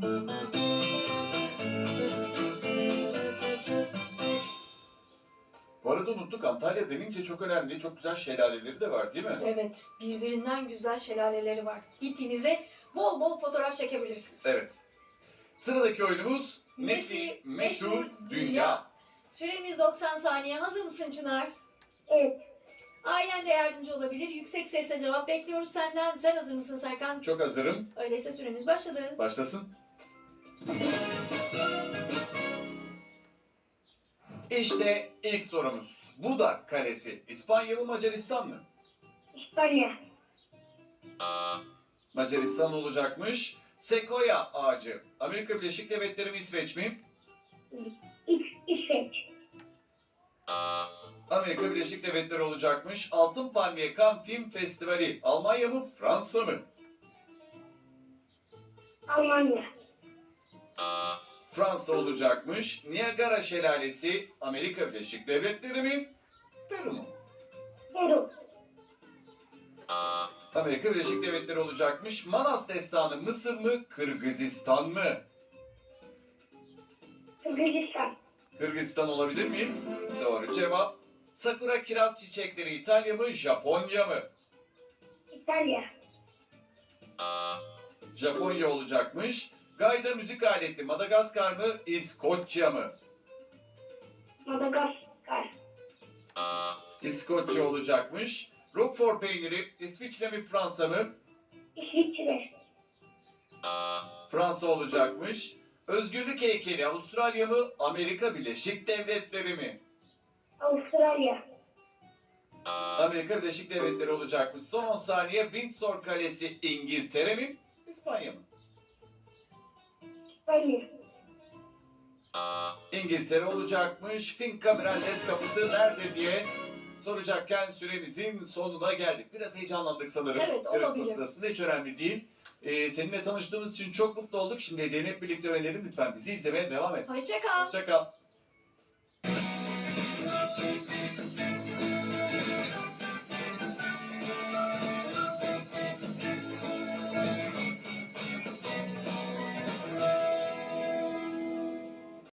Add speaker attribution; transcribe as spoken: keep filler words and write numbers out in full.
Speaker 1: Bu arada unuttuk, Antalya denince çok önemli, çok güzel şelaleleri de var değil mi?
Speaker 2: Evet, birbirinden güzel şelaleleri var. Gittiğinizde bol bol fotoğraf çekebilirsiniz.
Speaker 1: Evet. Sıradaki oyunumuz
Speaker 2: Nesi
Speaker 1: Nesi
Speaker 2: Meşhur
Speaker 1: Meşhur
Speaker 2: Dünya.
Speaker 1: Dünya.
Speaker 2: Süremiz doksan saniye. Hazır mısın Çınar?
Speaker 3: Evet.
Speaker 2: Ailen de yardımcı olabilir. Yüksek sesle cevap bekliyoruz senden. Sen hazır mısın Serkan?
Speaker 1: Çok hazırım.
Speaker 2: Öyleyse süremiz başladı.
Speaker 1: Başlasın. İşte ilk sorumuz. Buda Kalesi İspanya mı Macaristan mı?
Speaker 3: İspanya.
Speaker 1: Macaristan olacakmış. Sekoya ağacı Amerika Birleşik Devletleri mi İsveç mi?
Speaker 3: İs İsveç.
Speaker 1: Amerika Birleşik Devletleri olacakmış. Altın Palmiye Cannes Film Festivali Almanya mı Fransa mı?
Speaker 3: Almanya.
Speaker 1: Fransa olacakmış. Niagara Şelalesi Amerika Birleşik Devletleri mi? Peru mu?
Speaker 3: Peru.
Speaker 1: Amerika Birleşik Devletleri olacakmış. Manas Destanı Mısır mı? Kırgızistan mı?
Speaker 3: Kırgızistan.
Speaker 1: Kırgızistan olabilir miyim? Doğru cevap. Sakura kiraz çiçekleri İtalya mı? Japonya mı?
Speaker 3: İtalya.
Speaker 1: Japonya olacakmış. Gayda müzik aleti Madagaskar mı? İskoçya mı?
Speaker 3: Madagaskar.
Speaker 1: İskoçya olacakmış. Roquefort peyniri İsviçre mi Fransa mı?
Speaker 3: İsviçre.
Speaker 1: Fransa olacakmış. Özgürlük heykeli Avustralya mı? Amerika Birleşik Devletleri mi?
Speaker 3: Avustralya.
Speaker 1: Amerika Birleşik Devletleri olacakmış. Son on saniye. Windsor Kalesi İngiltere mi? İspanya mı?
Speaker 3: İspanya.
Speaker 1: İngiltere olacakmış. Finca Mirandes kapısı nerede diye soracakken süremizin sonuna geldik. Biraz heyecanlandık sanırım.
Speaker 2: Evet, olabilir.
Speaker 1: Sırasında hiç önemli değil. Ee, seninle tanıştığımız için çok mutlu olduk. Şimdi hediyeni hep birlikte öğrenelim. Lütfen bizi izlemeye devam et.
Speaker 2: Hoşça kal.
Speaker 1: Hoşça kal.